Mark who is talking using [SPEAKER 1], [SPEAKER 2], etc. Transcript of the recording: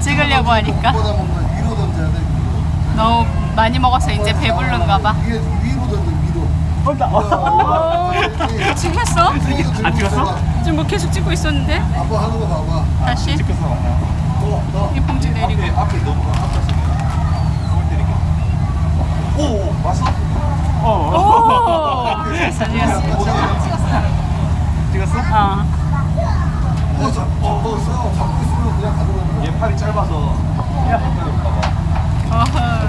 [SPEAKER 1] 찍으려고 하니까
[SPEAKER 2] 보다 먹는 위로 던져야 돼.
[SPEAKER 1] 너무 많이 먹어서 이제 배부른가 봐.
[SPEAKER 2] 위에 위로 던져 위로.
[SPEAKER 1] 찍혔어?
[SPEAKER 3] 안 찍었어?
[SPEAKER 1] 지금 뭐 계속 찍고 있었는데
[SPEAKER 2] 아빠 하는 거 봐봐.
[SPEAKER 1] 다시
[SPEAKER 3] 찍혔어.
[SPEAKER 1] 이 봉지 내리고.
[SPEAKER 2] 앞에 넘어가. 앞에 공을 때리게. 오 왔어?
[SPEAKER 1] 오 찍었어 찍었어.
[SPEAKER 3] 찍었어?
[SPEAKER 2] 잡고 있으면 그냥 가져가는 거야.
[SPEAKER 3] 얘 팔이 짧아서. 야,
[SPEAKER 1] 어허.